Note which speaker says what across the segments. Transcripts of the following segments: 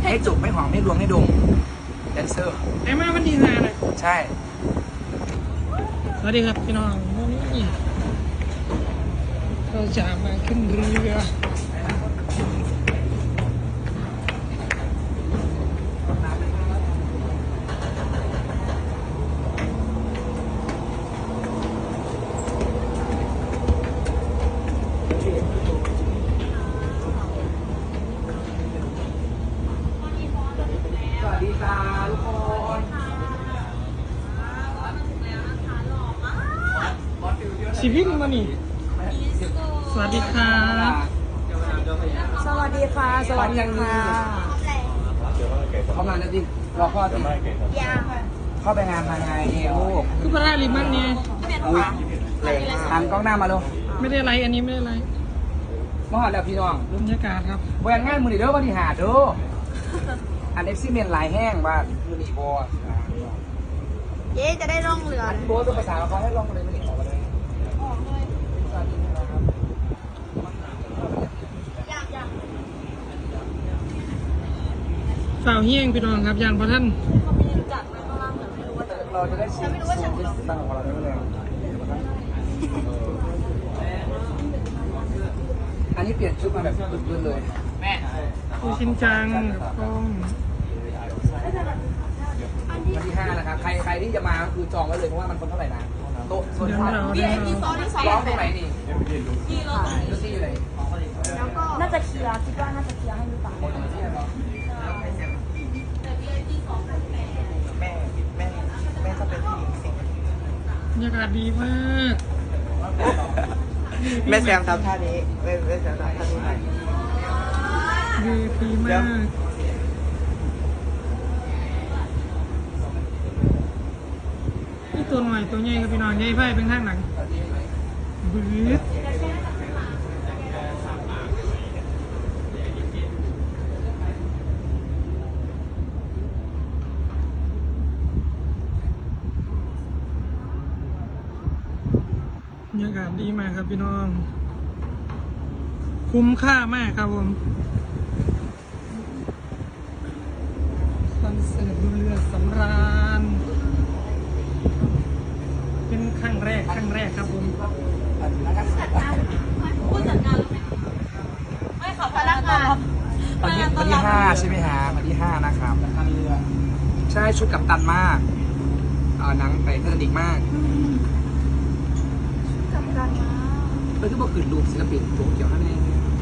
Speaker 1: ให้จุกไม่หอมให้รวงให้ดมแดนเซอร์
Speaker 2: ไอ้มาวันดีนาเลย
Speaker 1: ใช่
Speaker 2: สวัสดีครับพี่น้องวันนี้เราจะมาขึ้นเรือ
Speaker 1: สวัสดีจ้าทุกคน
Speaker 2: ชีวิตมานี่สวัสดีครับ
Speaker 3: สวัสดีค่ะ สวัสดีค่ะ
Speaker 1: เข้ามาแล้วดิรอพ่อสิเข้าไปงานมาไงลูก
Speaker 2: คือพระราลิมันเนี่ย
Speaker 1: อุ้ยหันกล้องหน้ามาลูก
Speaker 2: ไม่ได้ไรอันนี้ไม่ได้ไร
Speaker 1: มาหอดแล้วพี่น้อง
Speaker 2: บรรยากาศครับ
Speaker 1: แหวนงานมือนีเด้อวันที่หาเด้ออันเอฟซีเมนลายแห้งว่ามือนีบอ
Speaker 3: เย้จะได้ร่องเรือ
Speaker 1: โบตัวภาษาเขาให้ลองเลยมือนีออกมาเลย
Speaker 2: ฝ่าวเฮียงพี่น้องครับยานพระท่าน
Speaker 1: เราจะได้ชิมตั้งของเราได้ไหมอันนี้เปลี่ยนชุดมาแบบพื้นเลยแม่
Speaker 2: คือชินจังกล้อง
Speaker 1: วันที่5นะครับใครที่จะมาคือจองไว้เลยเพราะว่ามันคนเท่าไหร่นะโต๊ะโซน
Speaker 2: เดี๋ยว
Speaker 1: พัก
Speaker 2: เรา
Speaker 1: ร้องตรงไหนนี่ดูซี่อยู่ไหน
Speaker 3: น่าจะเคลียร์คิดว่าน่าจะเคลียร์ให้หรือเปล่า
Speaker 1: แม่ก็เป็นผู้หญิงสิ
Speaker 2: บรรยากาศดีมาก
Speaker 1: แม่แซมทำท่านี้แม่แซมทำท่านี้
Speaker 2: ดีมากนี่ตัวหน่อยตัวใหญ่ครับพี่น้องใหญ่ไพ่เป็นข้างหลังบื้อบรรยากาศดีมากครับพี่น้อง คุ้มค่ามากครับผมคอนเสิร์ตดูเรือสำราญเป็นครั้งแรกครับผม
Speaker 3: ผู้จัดการไม่ขอพนักงาน
Speaker 1: วันที่5ใช่ไหมฮะวันที่5นะครับใช่ชุดกับตันมากหนังไปเทอร์นิกมาก
Speaker 3: กับการมา
Speaker 1: เออที่บอกขืนรูปศิลปินโตเกียวนั่นเอง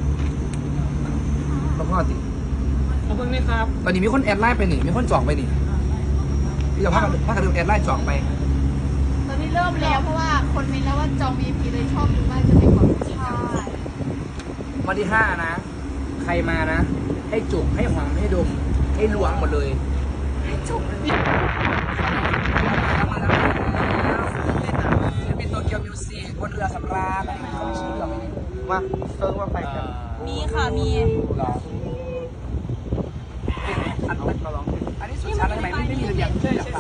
Speaker 1: แล้วพ่อติ
Speaker 2: ขอบคุณนะครับ
Speaker 1: ตอนนี้มีคนแอดไลน์ไปหนิมีคนจองไปหนิพี่จะพากันดูแอดไลน์จองไป
Speaker 3: ตอนนี้เริ่มแล้วเพราะว่าคนมีแล้วว่าจอง VIP เลยชอบดูมากจะเป็นของใช่
Speaker 1: วันที่5นะใครมานะให้จุกให้หอมให้ดมให้ล้วงหมดเลยให้จุกศิลปินโตเกียวมิวสิกบนเรือสำราญอะไรเขาชื่อเราไหมว่าเซิร์ฟว่าไปกัน
Speaker 3: มีค่ะมี
Speaker 1: หรออันนั้นเราลองอันนี้สุดชั้นทำไมไม่มีระเบียงอยากไป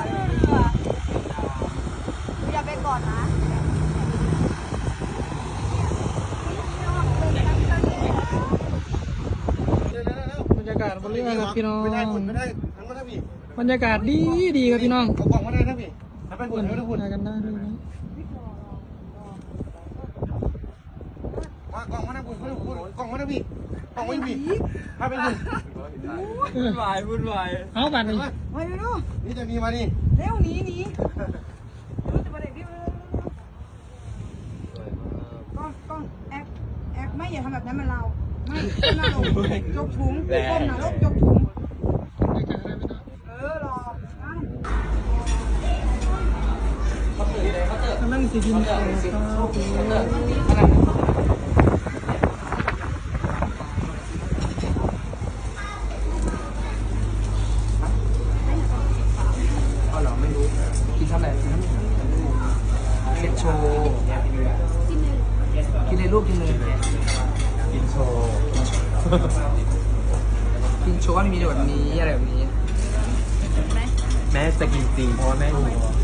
Speaker 3: อย่าไปก่อนนะ
Speaker 2: บรรยากาศบนเรือครับพี่น้อง
Speaker 4: ไม่ได้คุณไม่ได้ทั้งก็ได้พี่
Speaker 2: บรรยากาศดีครับพี่น้อง
Speaker 4: เอากล่องมาได้นะพี่ถ้าเป็นหุ่นไม่ได้หุ่น
Speaker 2: มากันได้ด้วยนะ
Speaker 4: ว่ากล่องมาได้หุ่นไม่ได้หุ่นกล่องมาได้พี่กล่องไม่พี่ถ้าเป็นหุ่น
Speaker 1: วุ่นวายวุ่นวาย
Speaker 2: เอาบัตรนี่
Speaker 3: ไปดู
Speaker 4: นี่จะมีมานี่
Speaker 3: เร็วหนีกล้องแอกไม่อย่าทำแบบนั้นมันเราไม่ก้มหน้าลงยกถุงก้มหน้าลงยกถุงรอก
Speaker 2: ำลังสิกินข้าวครับ
Speaker 1: อ๋อเหรอไม่รู้กินทำอะไรเก็บโชว์กินเลยลูกกินเลย
Speaker 4: กินโชว์
Speaker 1: กินโชว์ว่ามีแบบนี้อะไรแบบนี้
Speaker 4: แม่จะกินจริงเพราะว่าแม่หิว